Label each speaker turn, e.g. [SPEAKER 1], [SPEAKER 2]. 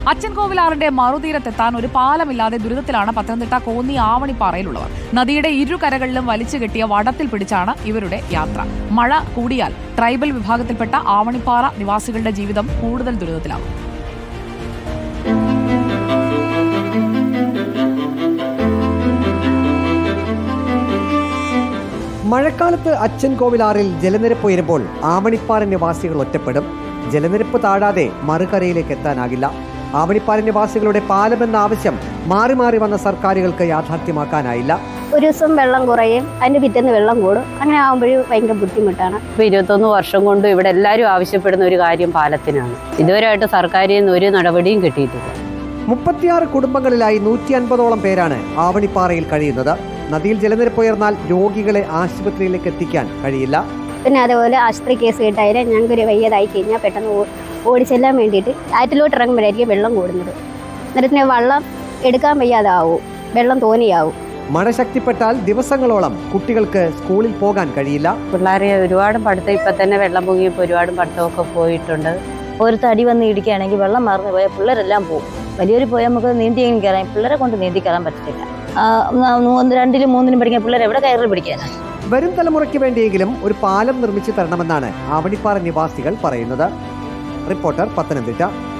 [SPEAKER 1] അച്ചൻകോവിലാറിന്റെ മറുതീരത്തെത്താൻ ഒരു പാലമില്ലാതെ ദുരിതത്തിലാണ് പത്തനംതിട്ട കോന്നി ആവണിപ്പാറയിലുള്ളവർ. നദിയുടെ ഇരുകരകളിലും വലിച്ചു കെട്ടിയ വടത്തിൽ പിടിച്ചാണ് ഇവരുടെ യാത്ര. മഴ കൂടിയാൽ ട്രൈബൽ വിഭാഗത്തിൽപ്പെട്ട ആവണിപ്പാറ നിവാസികളുടെ ജീവിതം കൂടുതൽ ദുരിതത്തിലാകും.
[SPEAKER 2] മഴക്കാലത്ത് അച്ചൻകോവിലാറിൽ ജലനിരപ്പ് ഉയരുമ്പോൾ ആവണിപ്പാറ നിവാസികൾ ഒറ്റപ്പെടും. ജലനിരപ്പ് താഴാതെ മറുകരയിലേക്ക് എത്താനാകില്ല. ആവണിപ്പാറ നിവാസികളുടെ പാലമെന്ന ആവശ്യം മാറി മാറി വന്ന സർക്കാരുകൾക്ക് യാഥാർത്ഥ്യമാക്കാനായില്ല.
[SPEAKER 3] ഒരു ദിവസം വെള്ളം കുറയും, അതിന് പിറ്റേന്ന് വെള്ളം കൂടും. അങ്ങനെ ആകുമ്പോഴും ഭയങ്കര ബുദ്ധിമുട്ടാണ്.
[SPEAKER 4] ഇപ്പോൾ 21 വർഷം കൊണ്ട് ഇവിടെ എല്ലാവരും ആവശ്യപ്പെടുന്ന ഒരു കാര്യം പാലത്തിനാണ്. ഇതുവരെയായിട്ട് സർക്കാരിൽ നിന്ന് ഒരു നടപടിയും കിട്ടിയിട്ടില്ല.
[SPEAKER 2] 36 കുടുംബങ്ങളിലായി 150ഓളം പേരാണ് ആവണിപ്പാറയിൽ കഴിയുന്നത്. നദിയിൽ ജലനിരപ്പ് ഉയർന്നാൽ രോഗികളെ ആശുപത്രിയിലേക്ക് എത്തിക്കാൻ കഴിയില്ല.
[SPEAKER 3] പിന്നെ അതേപോലെ ആശുപത്രി കേസ് കേട്ടായാലും ഞങ്ങൾക്കൊരു വയ്യതായി കഴിഞ്ഞാൽ പെട്ടെന്ന് ഓടിച്ചെല്ലാൻ വേണ്ടിയിട്ട് ആറ്റിലോട്ട് ഇറങ്ങുമ്പോഴായിരിക്കും വെള്ളം കൂടുന്നത്. നേരത്തിന് വെള്ളം എടുക്കാൻ വയ്യാതാവും, വെള്ളം തോന്നിയാവും.
[SPEAKER 2] മഴ ശക്തിപ്പെട്ടാൽ ദിവസങ്ങളോളം കുട്ടികൾക്ക് സ്കൂളിൽ പോകാൻ കഴിയില്ല.
[SPEAKER 4] പിള്ളേരെ ഒരുപാട് പഠിത്തം ഇപ്പം തന്നെ വെള്ളം പൊങ്ങിയപ്പോൾ ഒരുപാട് പഠിത്തമൊക്കെ പോയിട്ടുണ്ട്.
[SPEAKER 5] ഒരു തടി വന്ന് ഇടിക്കുകയാണെങ്കിൽ വെള്ളം മറന്നു പോയാൽ പിള്ളേരെല്ലാം പോകും. വലിയൊരു പോയാൽ നമുക്ക് നീന്തിയെങ്കിലും കയറാം, പിള്ളേരെ കൊണ്ട് നീന്തി കയറാൻ പറ്റത്തില്ല. 2ലും 3ലും പഠിക്കാൻ പിള്ളേർ എവിടെ കയറി പിടിക്കാനാണ്?
[SPEAKER 2] വരും തലമുറയ്ക്ക് വേണ്ടിയെങ്കിലും ഒരു പാലം നിർമ്മിച്ചു തരണമെന്നാണ് ആവണിപ്പാറ നിവാസികൾ പറയുന്നത്. റിപ്പോർട്ടർ, പത്തനംതിട്ട.